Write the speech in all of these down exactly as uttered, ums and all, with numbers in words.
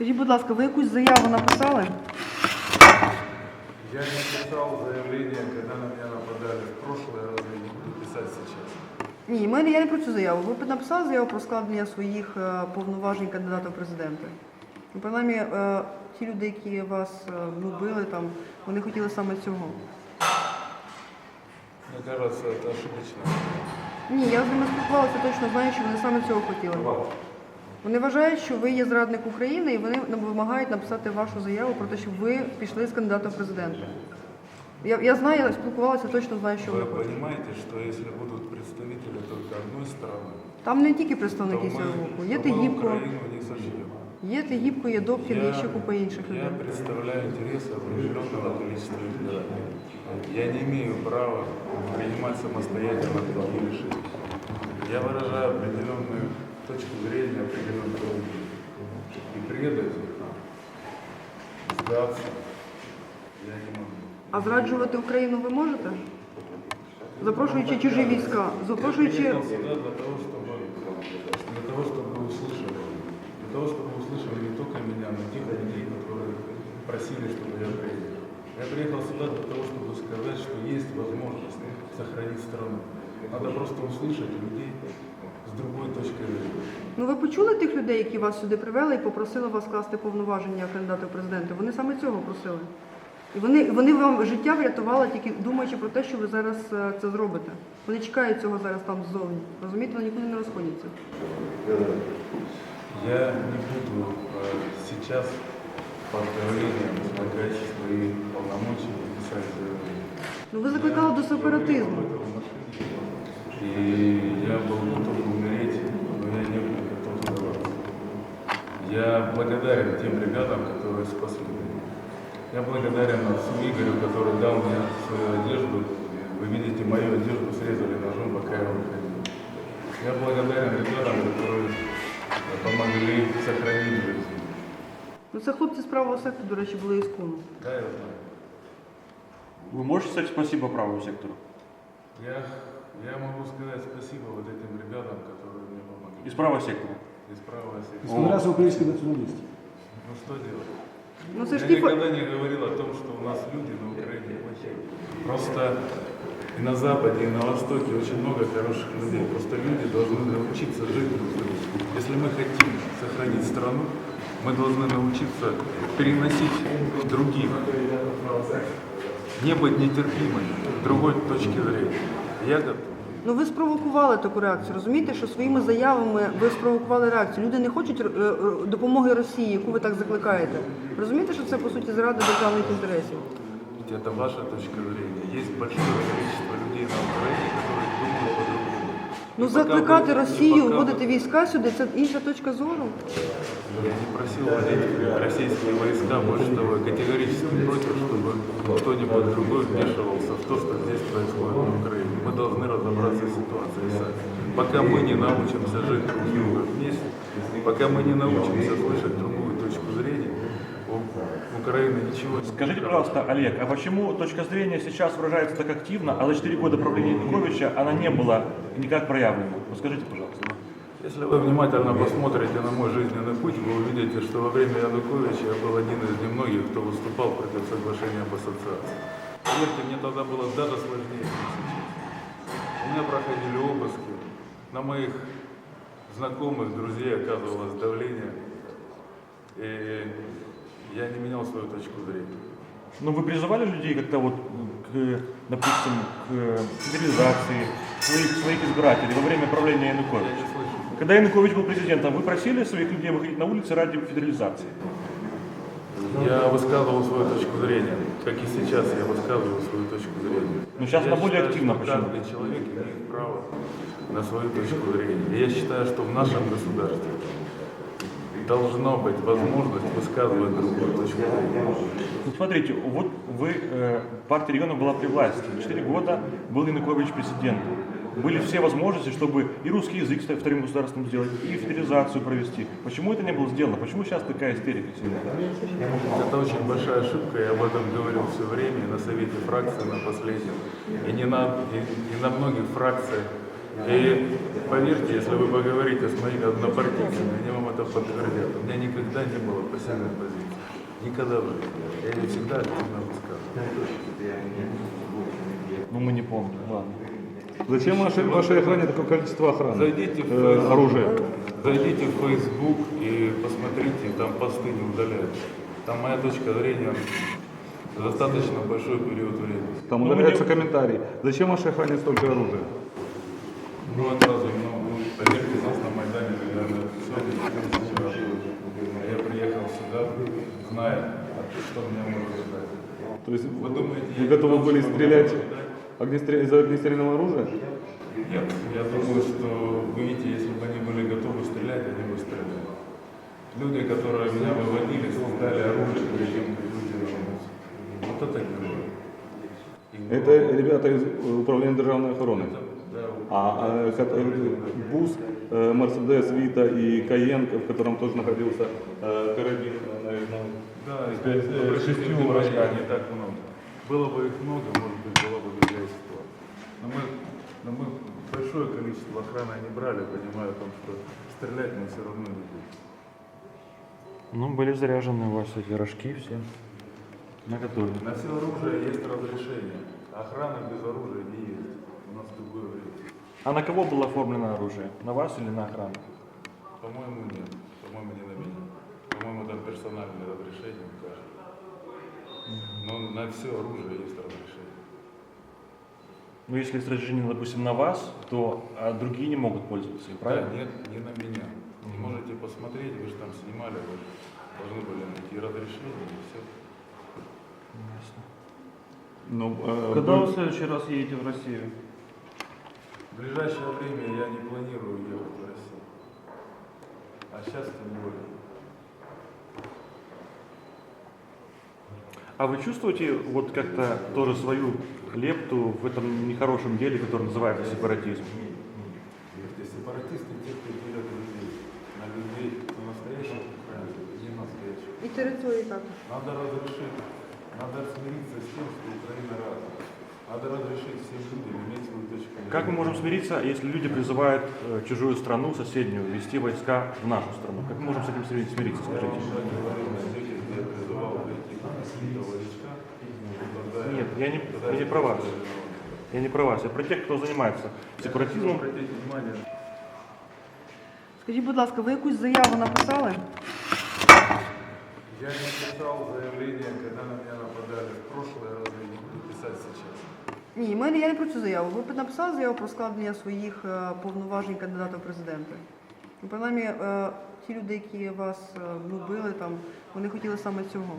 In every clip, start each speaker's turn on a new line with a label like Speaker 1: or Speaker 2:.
Speaker 1: Скажіть, будь ласка, ви якусь заяву написали?
Speaker 2: Я не писал заявление, когда на меня нападали в прошлое раз, и не буду писать сейчас.
Speaker 1: Ні, ми, я не про цю заяву. Ви написали заяву про складення своїх е, повноважень кандидата в президенти. Ну, принаймні, е, ті люди, які вас е, ну, били, там, вони хотіли саме цього.
Speaker 2: Мне кажется, это ошибочно.
Speaker 1: Ні, я з ними спілкувалася, точно знаю, що вони саме цього хотіли. Вони вважають, що ви є зрадник України, і вони вимагають написати вашу заяву про те, щоб ви пішли з кандидата в президенти. Я, я знаю, я спілкувалася, точно знаю, що
Speaker 2: Вы
Speaker 1: вони хочуть.
Speaker 2: понимаете, что если будут представители только одной страны,
Speaker 1: Там не тільки
Speaker 2: то
Speaker 1: представники цього
Speaker 2: мы,
Speaker 1: боку. Є
Speaker 2: то мы
Speaker 1: Тигіпко,
Speaker 2: Украину не сожжем.
Speaker 1: є Тигіпко, є Добкін, є ще купа інших
Speaker 2: я
Speaker 1: людей.
Speaker 2: представляю интересы определенного количества избирателей. Я не имею права принимать самостоятельно такие решения. Я выражаю определенную точку зрения, определенную логику. И предать, сдаться я не могу.
Speaker 1: А зраджувати Україну ви можете? Запрошуючи чужі війська, запрошуючи...
Speaker 2: Я приехал сюда для того, чтобы, для того, чтобы вы услышали. Для того, чтобы вы услышали не только меня, но и тех людей, которые просили, чтобы я приехал. Я приехал сюда для того, чтобы сказать, что есть возможность сохранить страну. Надо просто услышать людей с другой точки зрения.
Speaker 1: Ну ви почули тих людей, які вас сюди привели і попросили вас скласти повноваження кандидата в президенти? Вони саме цього просили. І вони, вони вам життя врятували, тільки думаючи про те, що ви зараз е, це зробите. Вони чекають цього зараз там ззовні. Розумієте, вони нікуди не розходяться.
Speaker 2: Я не буду э, сейчас под давлением излагать свои полномочия и писать заявление.
Speaker 1: Ну ви закликали до сепаратизму.
Speaker 2: И я был готов умереть, но я не был готов сдаваться. Я благодарен тем ребятам, которые спасли меня. Я благодарен отцу Игорю, который дал мне свою одежду. Вы видите, мою одежду срезали ножом, пока я выходил. Я благодарен ребятам, которые помогли сохранить жизнь.
Speaker 1: Ну це хлопці з правого сектору, до речі, були із Куну.
Speaker 2: Да, я знаю.
Speaker 3: Вы можете сказать спасибо правому сектору?
Speaker 2: Я, я могу сказать спасибо вот этим ребятам, которые мне помогли.
Speaker 3: Из правого сектора?
Speaker 2: Из правого сектора.
Speaker 4: Становятся украинские националисты.
Speaker 2: Ну что делать?
Speaker 1: Ну це ж
Speaker 2: Я
Speaker 1: ті...
Speaker 2: никогда не говорил о том, что у нас люди на Украине плохие. Просто и на Западе, и на Востоке очень много хороших людей. Просто люди должны научиться жить друг с другом. Если мы хотим сохранить страну, мы должны научиться переносить других, не быть нетерпимыми, другой точки зрения. Я готов.
Speaker 1: Ну ви спровокували таку реакцію, розумієте, що своїми заявами ви спровокували реакцію. Люди не хочуть е, е, допомоги Росії, яку ви так закликаєте. Розумієте, що це, по суті, зрада державних інтересів?
Speaker 2: Ведь это ваша точка зрения. Есть большое количество людей на Украине, которые думают по-другому.
Speaker 1: Ну
Speaker 2: И пока
Speaker 1: закликати
Speaker 2: вы-
Speaker 1: Росію,
Speaker 2: и пока
Speaker 1: вводити
Speaker 2: вы-
Speaker 1: війська сюди, це інша точка зору.
Speaker 2: Я не просил вводить российские войска, больше того, я категорически против, чтобы кто-нибудь другой вмешивался в то, что здесь происходит на Украине. Мы должны разобраться в ситуации сами. Пока мы не научимся жить друг с другом вместе, пока мы не научимся слышать другую точку зрения, у Украины ничего не
Speaker 3: Скажите, пожалуйста, Олег, а почему точка зрения сейчас выражается так активно, а за четыре года правления Януковича она не была никак проявлена? Вот скажите, пожалуйста.
Speaker 2: Если вы внимательно посмотрите на мой жизненный путь, вы увидите, что во время Януковича я был один из немногих, кто выступал против соглашения об ассоциации. Поверьте, мне тогда было даже сложнее, чем сейчас. У меня проходили обыски, на моих знакомых, друзей оказывалось давление, и я не менял свою точку зрения.
Speaker 3: Но вы призывали людей как-то вот к, допустим, к федерализации своих, своих избирателей во время правления
Speaker 2: Я
Speaker 3: Януковича?
Speaker 2: не слышу.
Speaker 3: Когда Янукович был президентом, вы просили своих людей выходить на улицы ради федерализации?
Speaker 2: Я высказывал свою точку зрения, как и сейчас я высказываю свою точку зрения.
Speaker 3: Но сейчас
Speaker 2: Я
Speaker 3: она более
Speaker 2: считаю,
Speaker 3: активна.
Speaker 2: что
Speaker 3: Почему?
Speaker 2: каждый человек имеет право на свою точку зрения. И я считаю, что в нашем государстве должна быть возможность высказывать другую точку зрения.
Speaker 3: Ну, смотрите, вот вы, э, партия регионов была при власти. Четыре года был Янукович президентом. Были все возможности, чтобы и русский язык стать вторым государством сделать, и федерализацию провести. Почему это не было сделано? Почему сейчас такая истерика сильная?
Speaker 2: Это очень большая ошибка, я об этом говорил все время, и на совете фракции на последнем, и, не на, и, и на многих фракциях И поверьте, если вы поговорите с моими однопартийцами, они вам это подтвердят. У меня никогда не было пассивной позиции. Никогда в жизни. Я ее всегда активно высказывал.
Speaker 3: Ну, мы не помним, ладно.
Speaker 4: Зачем вашей, вашей охране такое количество охраны?
Speaker 2: Зайдите в
Speaker 4: Э,
Speaker 2: Facebook,
Speaker 4: оружия.
Speaker 2: зайдите в Facebook и посмотрите, там посты не удаляются. Там моя точка зрения достаточно большой период времени.
Speaker 4: Там
Speaker 3: Ну,
Speaker 4: удаляются
Speaker 3: мне-
Speaker 4: комментарии. Зачем вашей охране столько оружия?
Speaker 2: Ну, это разве, ну, ну, поверьте, нас на Майдане, наверное, сотни тысяч раз. Я приехал сюда, зная, что меня может ждать.
Speaker 4: То есть
Speaker 2: Вы думаете,
Speaker 4: вы
Speaker 2: я
Speaker 4: готовы
Speaker 2: не
Speaker 4: были
Speaker 2: должен
Speaker 4: стрелять
Speaker 2: был ждать?
Speaker 4: огнестрел- из огнестрельного оружия?
Speaker 2: Нет, я думаю, что, вы видите, если бы они были готовы стрелять, они бы стреляли. Люди, которые меня выводили, создали оружие, перед тем, как люди вернутся. Вот это герой. И
Speaker 4: Это ребята из э, управления державной охраны.
Speaker 2: это, да,
Speaker 4: А, а, ко- э, бус, э, Мерседес, Вита и Каен, в котором тоже находился э, карабин, э, наверное.
Speaker 2: да, и
Speaker 4: С пять- э,
Speaker 2: обратите
Speaker 4: шестью
Speaker 2: внимание,
Speaker 4: рожками.
Speaker 2: не так много. Было бы их много, может быть, была бы другая ситуация. Но мы, но мы большое количество охраны не брали, понимая о том, что стрелять мы все равно не будем.
Speaker 3: Ну, были заряжены у вас эти рожки все. На готове.
Speaker 2: На все оружие есть разрешение. Охрана без оружия не есть. У нас другое время.
Speaker 3: А на кого было оформлено оружие? На вас или на охрану?
Speaker 2: По-моему, нет. По-моему, не на меня. По-моему, там персональное разрешение у каждого. Но на все оружие есть разрешение.
Speaker 3: Ну, если есть разрешение, допустим, на вас, то а другие не могут пользоваться им,
Speaker 2: Да,
Speaker 3: правильно?
Speaker 2: нет, не на меня. Можете посмотреть, вы же там снимали, вы же должны были найти разрешение и все.
Speaker 3: Ясно.
Speaker 4: Ну, э,
Speaker 5: Когда
Speaker 4: вы-
Speaker 5: вы в следующий раз едете в Россию?
Speaker 2: В ближайшее время я не планирую ехать в Россию. А сейчас тем более.
Speaker 3: А вы чувствуете вот как-то тоже свою лепту в этом нехорошем деле, которое называется сепаратизм?
Speaker 2: Эти сепаратисты, те, кто делят людей, на людей, на настоящих украинцев, не настоящих.
Speaker 1: І території також.
Speaker 2: Надо разрешить, надо смириться с тем, что Украина разная. Надо разрешить всем людям иметь свою точку зрения.
Speaker 3: Как мы можем смириться, если люди призывают э, чужую страну, соседнюю, ввести войска в нашу страну? Как мы можем с этим смириться, смириться,
Speaker 2: Я
Speaker 3: скажите?
Speaker 2: вам уже говорил, найдете, где я призывал прийти какие-то войска. Тогда
Speaker 3: Нет, я не,
Speaker 2: тогда
Speaker 3: я не про вас. Я не про вас, я про тех, кто занимается сепаратизмом.
Speaker 2: Обратите внимание,
Speaker 1: Скажіть, будь ласка, ви якусь заяву написали?
Speaker 2: я не писал заявление, когда на меня нападали в прошлое, разве не буду писать сейчас?
Speaker 1: Ні, мене я не про цю заяву. Ви написали заяву про складення своїх е, повноважень кандидата в президенти. Ну, принаймні, е, ті люди, які вас е, ну, били, там, вони хотіли саме цього.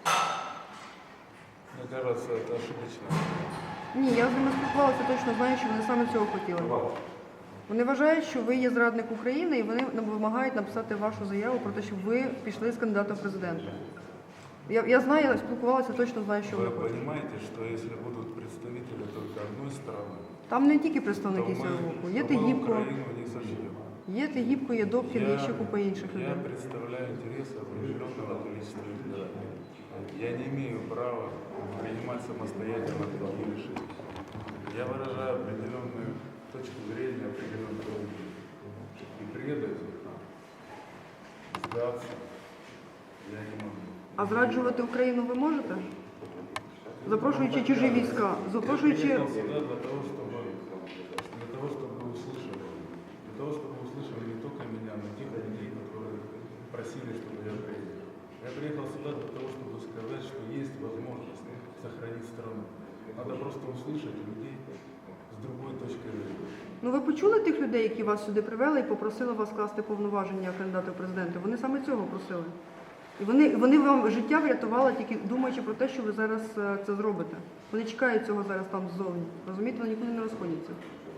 Speaker 2: Мне кажется, это ошибочно.
Speaker 1: Ні, я з ними спілкувалася, точно знаю, що вони саме цього хотіли. Вони вважають, що ви є зрадник України, і вони вимагають написати вашу заяву про те, щоб ви пішли з кандидатом в президенти. Я, я знаю, я спілкувалася, точно знаю, що
Speaker 2: Вы
Speaker 1: вони хочуть.
Speaker 2: понимаете, что если будут представители только одной страны,
Speaker 1: Там не тільки
Speaker 2: то
Speaker 1: представники
Speaker 2: мы,
Speaker 1: цього боку. Є
Speaker 2: то мы
Speaker 1: Тегібко,
Speaker 2: Украину не сожжем.
Speaker 1: є Тегібко, є Добкін, є ще купа інших
Speaker 2: я
Speaker 1: людей.
Speaker 2: представляю интересы определенного количества избирателей. Я не имею права принимать самостоятельно такие решения. Я выражаю определенную точку зрения, определенную людей. И предать их, сдаться я не могу.
Speaker 1: А зраджувати Україну ви можете? Запрошуючи чужі війська, запрошуючи...
Speaker 2: Я приехал сюда для того, чтобы, для того, чтобы вы услышали. Для того, чтобы вы услышали не только меня, но и тех людей, которые просили, чтобы я приехал. Я приехал сюда для того, чтобы сказать, что есть возможность сохранить страну. Надо просто услышать людей с другой точки зрения.
Speaker 1: Ну ви почули тих людей, які вас сюди привели і попросили вас скласти повноваження кандидата в президенти? Вони саме цього просили. І вони, вони вам життя врятували, тільки думаючи про те, що ви зараз е, це зробите. Вони чекають цього зараз там ззовні. Розумієте, вони нікуди не розходяться.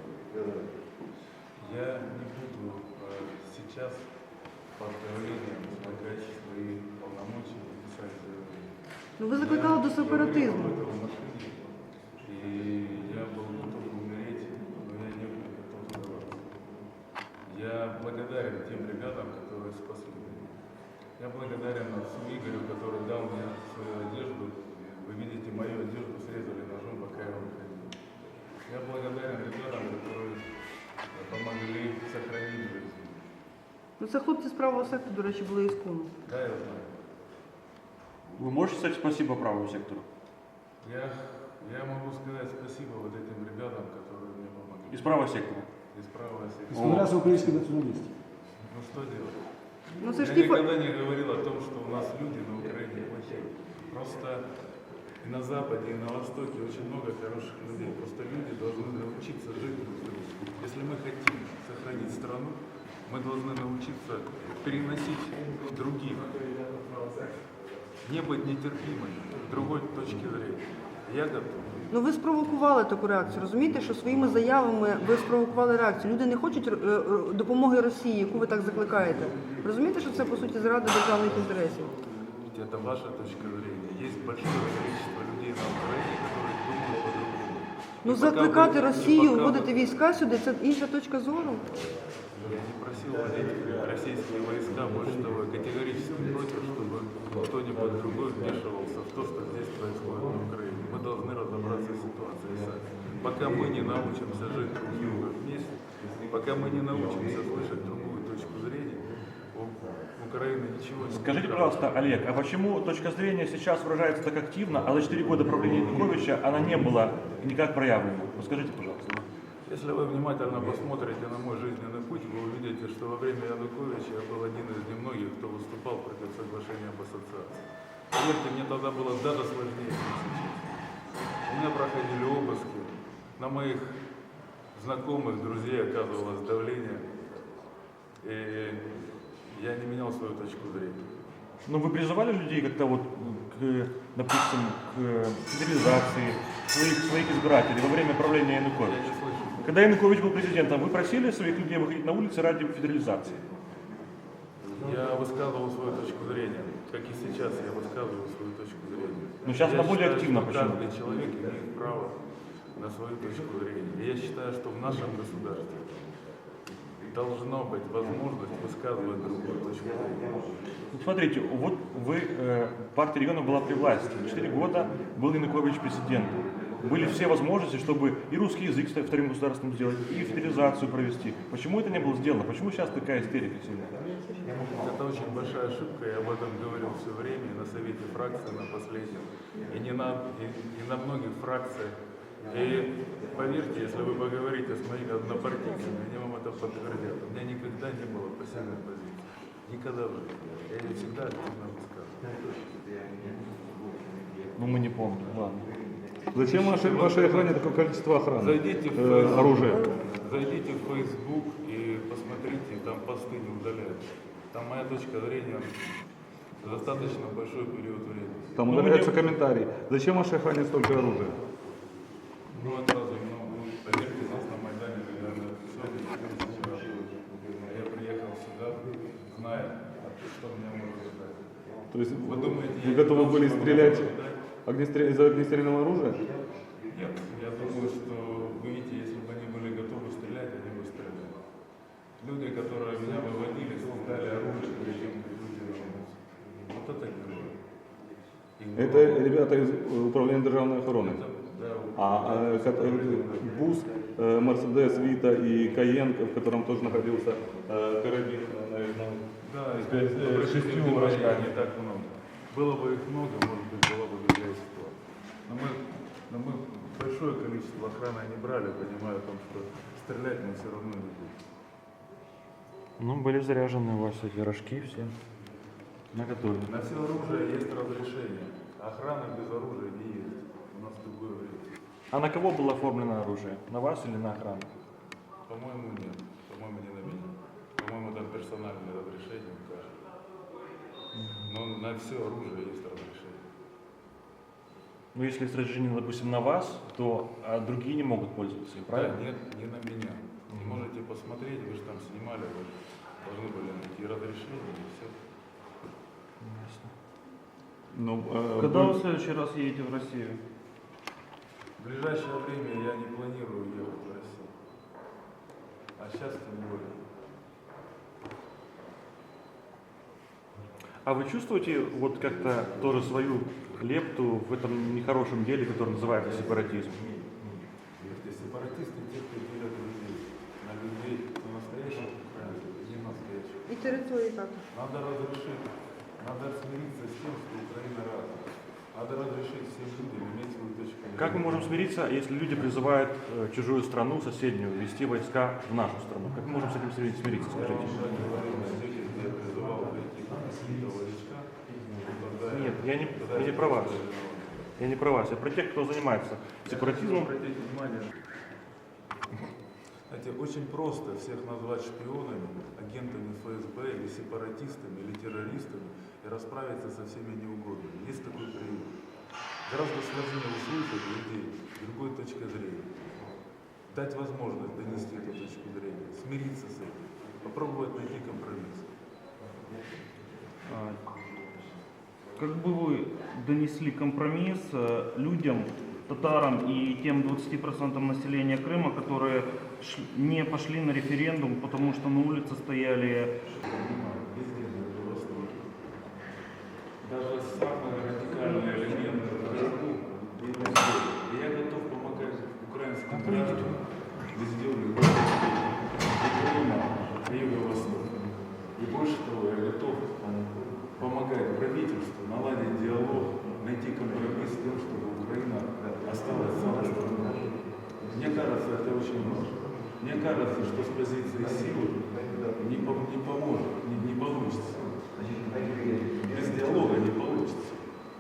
Speaker 2: Я не буду э, сейчас под давлением излагать свои полномочия и писать заявление.
Speaker 1: Ну ви закликали до сепаратизму.
Speaker 2: Я говорил об этом в машине, и я был готов умереть, но я не был готов сдаваться. Я благодарен тем ребятам, которые спасли меня. Я благодарен отцу Игорю, который дал мне свою одежду. Вы видите, мою одежду срезали ножом, пока я выходил. Я благодарен ребятам, которые
Speaker 1: Ну це хлопці з правого сектору, до речі, були із Куну.
Speaker 2: Да, я знаю.
Speaker 3: Вы можете сказать спасибо правому сектору?
Speaker 2: Я, я могу сказать спасибо вот этим ребятам, которые мне помогли.
Speaker 3: Из правого сектора?
Speaker 2: Из правого сектора.
Speaker 5: Становлялся украинский националист.
Speaker 2: Ну что делать?
Speaker 1: Ну це ж
Speaker 2: Я
Speaker 1: ті фа-
Speaker 2: никогда не говорил о том, что у нас люди на Украине плохие. Просто и на Западе, и на Востоке очень много хороших людей. Просто люди должны научиться жить друг с другом. Если мы хотим сохранить страну, мы должны научиться переносить других. Не быть нетерпимыми к другой точки зрения. Я готов.
Speaker 1: Ну ви спровокували таку реакцію. Розумієте, що своїми заявами ви спровокували реакцію. Люди не хочуть е, е, допомоги Росії, яку ви так закликаєте. Розумієте, що це по суті зрада державних інтересів?
Speaker 2: Ведь это ваша точка зрения. Есть большое количество людей на Украине, которые думают по-другому.
Speaker 1: Ну
Speaker 2: И пока
Speaker 1: закликати
Speaker 2: вы-
Speaker 1: Росію,
Speaker 2: пока вы-
Speaker 1: вводити війська сюди це інша точка зору.
Speaker 2: Я не просил вводить российские войска, больше того, я категорически против, чтобы кто-нибудь другой вмешивался в то, что здесь происходит на Украине. Мы должны разобраться в ситуации сами. Пока мы не научимся жить друг с другом вместе, пока мы не научимся слышать другую точку зрения, у Украины ничего не будет.
Speaker 3: Скажите, пожалуйста, Олег, а почему точка зрения сейчас выражается так активно, а за четыре года правления Януковича она не была никак проявлена? Вот скажите, пожалуйста.
Speaker 2: Если вы внимательно посмотрите на мой жизненный путь, вы увидите, что во время Януковича я был один из немногих, кто выступал против соглашения об ассоциации. Поверьте, мне тогда было даже сложнее, чем сейчас. У меня проходили обыски, на моих знакомых, друзей оказывалось давление, и я не менял свою точку зрения.
Speaker 3: Ну, вы призывали людей как-то вот к, допустим, к федерализации своих, своих избирателей во время правления
Speaker 2: Я
Speaker 3: Януковича?
Speaker 2: не слышу.
Speaker 3: Когда Янукович был президентом, вы просили своих людей выходить на улицы ради федерализации?
Speaker 2: Я высказывал свою точку зрения, как и сейчас я высказываю свою точку зрения.
Speaker 3: Ну, сейчас
Speaker 2: Я
Speaker 3: она более
Speaker 2: считаю,
Speaker 3: активна,
Speaker 2: что
Speaker 3: почему?
Speaker 2: Каждый человек имеет право на свою точку зрения. И я считаю, что в нашем государстве должна быть возможность высказывать другую точку зрения.
Speaker 3: Ну, смотрите, вот вы, э, партия регионов была при власти. Четыре года был Янукович президентом. Были все возможности, чтобы и русский язык стать вторым государством сделать, и федерализацию провести. Почему это не было сделано? Почему сейчас такая истерика сильная?
Speaker 2: Это очень большая ошибка, я об этом говорил все время и на совете фракции на последнем, и не на, и, и на многих фракциях. И поверьте, если вы поговорите с моими однопартийцами, они вам это подтвердят. У меня никогда не было пассивной позиции. Никогда в жизни. Я ее всегда активно высказывал.
Speaker 3: Ну, мы не помним, ладно.
Speaker 4: Зачем вашей, вашей охране такое количество охраны?
Speaker 2: Зайдите в
Speaker 4: Э,
Speaker 2: Facebook,
Speaker 4: оружия.
Speaker 2: зайдите в Facebook и посмотрите, там посты не удаляются. Там моя точка зрения достаточно большой период времени.
Speaker 4: Там
Speaker 3: Ну,
Speaker 4: удаляются
Speaker 3: мы
Speaker 4: комментарии. Зачем вашей охране столько оружия?
Speaker 2: Ну, это разве, ну, ну, поверьте, нас на Майдане, наверное, все Я приехал сюда, зная, что меня может ждать.
Speaker 4: То есть
Speaker 2: Вы думаете,
Speaker 4: вы
Speaker 2: я
Speaker 4: готовы
Speaker 2: не
Speaker 4: были
Speaker 2: должен
Speaker 4: стрелять
Speaker 2: был ждать?
Speaker 4: огнестрел- из огнестрельного оружия?
Speaker 2: Нет, я думаю, что, вы видите, если бы они были готовы стрелять, они бы стреляли. Люди, которые меня выводили, создали оружие, перед тем, как люди вернутся. Вот это герои. Их было
Speaker 4: Это ребята из э, управления державной охраны.
Speaker 2: Это, да,
Speaker 4: А э, ко- э, Бус, э, Мерседес, Вита и Каен, в котором тоже находился э, карабин, э, наверное,
Speaker 2: да,
Speaker 4: с
Speaker 2: и
Speaker 4: пять- э,
Speaker 2: при
Speaker 4: шестью
Speaker 2: шестью
Speaker 4: рожками.
Speaker 2: не так много. Было бы их много, может быть, была бы другая ситуация. Но мы, но мы большое количество охраны не брали, понимая о том, что стрелять мы все равно не будем.
Speaker 3: Ну, были заряжены у вас эти рожки все. На готове.
Speaker 2: На все оружие есть разрешение. Охрана без оружия не есть. У нас другое время.
Speaker 3: А на кого было оформлено оружие? На вас или на охрану?
Speaker 2: По-моему, нет. По-моему, не на меня. По-моему, там персональное разрешение у каждого. Но на все оружие есть разрешение.
Speaker 3: Ну, если есть разрешение, допустим, на вас, то а другие не могут пользоваться им,
Speaker 2: Да,
Speaker 3: правильно?
Speaker 2: нет, не на меня. Не можете посмотреть, вы же там снимали, вы же должны были найти разрешение и все.
Speaker 3: Ясно.
Speaker 4: ну, э,
Speaker 6: Когда
Speaker 4: вы-
Speaker 6: вы в следующий раз едете в Россию?
Speaker 2: В ближайшее время я не планирую ехать в Россию. А сейчас тем более.
Speaker 3: А вы чувствуете вот как-то тоже свою лепту в этом нехорошем деле, которое называется сепаратизм?
Speaker 2: Эти сепаратисты, те, кто делят людей, на людей, на настоящих украинцев, не настоящих.
Speaker 1: І території також.
Speaker 2: Надо разрешить, надо смириться с тем, что Украина разная. Надо разрешить всем людям иметь свою точку зрения.
Speaker 3: Как мы можем смириться, если люди призывают э, чужую страну, соседнюю, ввести войска в нашу страну? Как мы можем с этим смириться, смириться,
Speaker 2: Я
Speaker 3: скажите?
Speaker 2: вам уже говорил, найдете, где я призывал прийти какие-то войска. Тогда
Speaker 3: Нет, я не,
Speaker 2: тогда
Speaker 3: я не про вас. Я не про вас, я про тех, кто занимается сепаратизмом.
Speaker 2: Обратите внимание, знаете, очень просто всех назвать шпионами, агентами эф эс бэ или сепаратистами, или террористами и расправиться со всеми неугодными. Есть такой прием. Гораздо сложнее услышать людей с другой точки зрения. Дать возможность донести эту точку зрения, смириться с этим, попробовать найти компромисс.
Speaker 5: А, Как бы вы донесли компромисс э, людям, татарам и тем двадцати процентам населения Крыма, которые ш- не пошли на референдум, потому что на улице стояли
Speaker 2: Везде на Востоке. Даже самые радикальные элементы вверху, и везде. И я готов помогать украинским гражданам везде, в любой точке, и Крыма, и Юго-Востока. И больше того, я готов помогать правительству наладить диалог, найти компромисс с тем, чтобы Украина осталась целой страной. Мне кажется, это очень важно. Мне кажется, что с позиции силы не, по- не поможет, не, не получится. Без диалога не получится.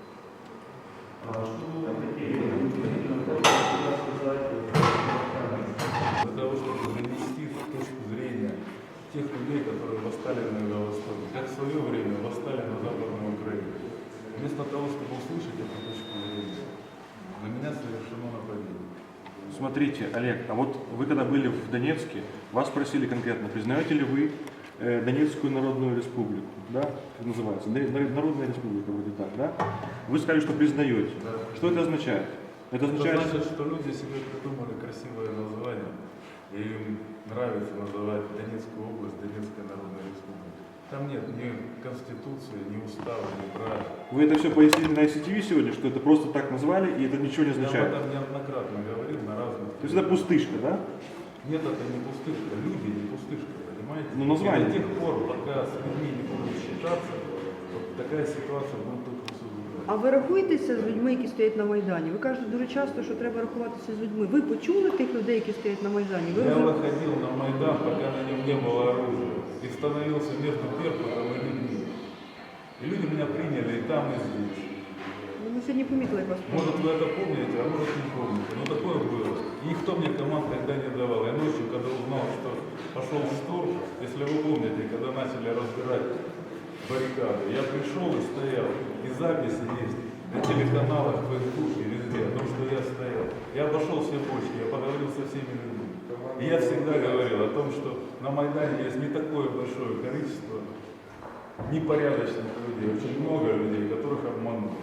Speaker 2: Для того, чтобы донести точку зрения тех людей, которые восстали на Юго-Востоке, как в свое время восстали на Западной Украине. Вместо того, чтобы услышать эту точку зрения, на меня совершено нападение.
Speaker 3: Смотрите, Олег, а вот вы когда были в Донецке, вас спросили конкретно, признаете ли вы э, Донецкую Народную Республику, да, как называется, Нар- Народная Республика вроде так, да? Вы сказали, что признаете.
Speaker 2: Да.
Speaker 3: Что это означает? Это
Speaker 2: Это
Speaker 3: означает,
Speaker 2: значит, что люди себе придумали красивое название, и им нравится называть Донецкую область Донецкой Народной Республикой. Там нет ни конституции, ни устава, ни права.
Speaker 3: вы это все пояснили на ай си ти ви сегодня, что это просто так назвали, и это ничего не
Speaker 2: Я об
Speaker 3: означает.
Speaker 2: этом неоднократно говорил на разных...
Speaker 3: То есть это пустышка, да?
Speaker 2: Нет, это не пустышка. Люди не пустышка, понимаете?
Speaker 3: Ну, название.
Speaker 2: И до тех пор, пока с людьми не будут считаться, вот такая ситуация будет только усугубляться.
Speaker 1: А ви рахуєтеся з людьми, які стоять на Майдані? Ви кажете дуже часто, що треба рахуватися з людьми. Ви почули тих людей, які стоять на Майдані? Ви
Speaker 2: Я
Speaker 1: вже-
Speaker 2: выходил на Майдан, пока на нем не было оружия, и становился между Беркутом и людьми. И люди меня приняли и там, и здесь.
Speaker 1: Ну, ми сьогодні помітили, як вас
Speaker 2: Может, вы это помните, а может, не помните. Но такое было. И никто мне команд тогда не давал. Я ночью, когда узнал, что пошел штурм, если вы помните, когда начали разбирать баррикады, я пришел и стоял. И записи есть на телеканалах, в Фейсбуке, везде, о том, что я стоял. Я обошел все почки, я поговорил со всеми людьми. И я всегда говорил о том, что на Майдане есть не такое большое количество непорядочных людей, очень много людей, которых обманули.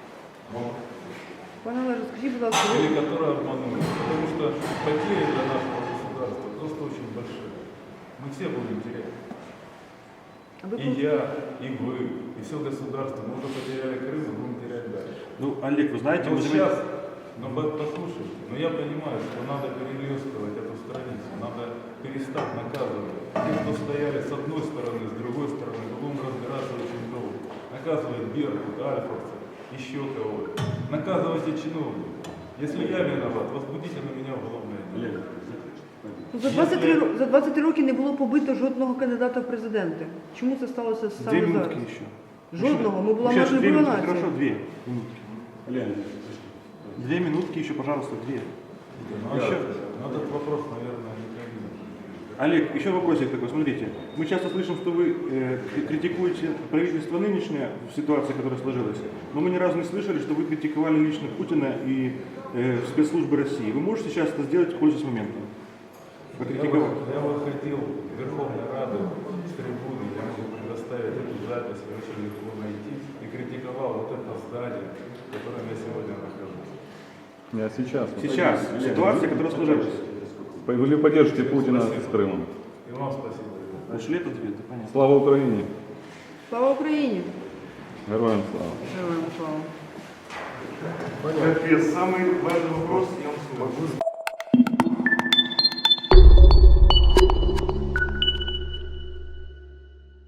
Speaker 1: Пане Олеже, скажіть, будь ласка, ви-
Speaker 2: Или которые обманули. Потому что потери для нашего государства просто очень большие. Мы все будем терять.
Speaker 1: а ви
Speaker 2: И
Speaker 1: просто-
Speaker 2: я, и вы, и все государство. Мы уже потеряли Крым и будем терять дальше.
Speaker 3: Ну, Олег, вы знаете,
Speaker 2: Но
Speaker 3: вы
Speaker 2: сейчас, ну по- послушайте, но я понимаю, что надо перелескивать эту страницу, надо перестать наказывать. Те, кто стояли с одной стороны, с другой стороны, будем разбираться очень долго. Наказывать Беркут, Альфовцев, еще кого-то. Наказывайте чиновников. Если я виноват, возбудите на меня уголовное дело.
Speaker 1: Ну, за двадцять три, ро- за двадцять три роки не було побито жодного кандидата в президенти. Чому це сталося
Speaker 3: две
Speaker 1: саме
Speaker 3: минутки
Speaker 1: зараз?
Speaker 3: еще.
Speaker 1: Жодного, ми була
Speaker 3: Сейчас
Speaker 1: майже
Speaker 3: две минутки,
Speaker 1: нація.
Speaker 3: хорошо, две минутки. Две минутки еще, пожалуйста, две.
Speaker 2: Ну,
Speaker 3: Еще.
Speaker 2: ну, этот вопрос, наверное, не ко мне.
Speaker 3: Олег, еще вопросик такой, смотрите. Мы часто слышим, что вы э, кри- критикуете правительство нынешнее в ситуации, которая сложилась, но мы ни разу не слышали, что вы критиковали лично Путина и э, спецслужбы России. Вы можете сейчас это сделать, пользуясь моментом?
Speaker 2: Я,
Speaker 3: Покритиковать.
Speaker 2: вы- я выходил в Верховной Рады с трибуны, я могу предоставить эту запись, ее очень легко найти, и критиковал вот это здание, в котором я сегодня нахожусь.
Speaker 4: Я сейчас.
Speaker 3: Сейчас, ситуация, которая сложилась.
Speaker 4: Вы поддержите Путина
Speaker 2: Спасибо.
Speaker 4: с Крымом.
Speaker 2: И вам спасибо. ребята.
Speaker 3: Ушли от ответа, понятно.
Speaker 4: Слава Украине!
Speaker 1: Слава Україні!
Speaker 4: Героям слава!
Speaker 1: Героям слава!
Speaker 3: Самый важный вопрос, я вам скажу.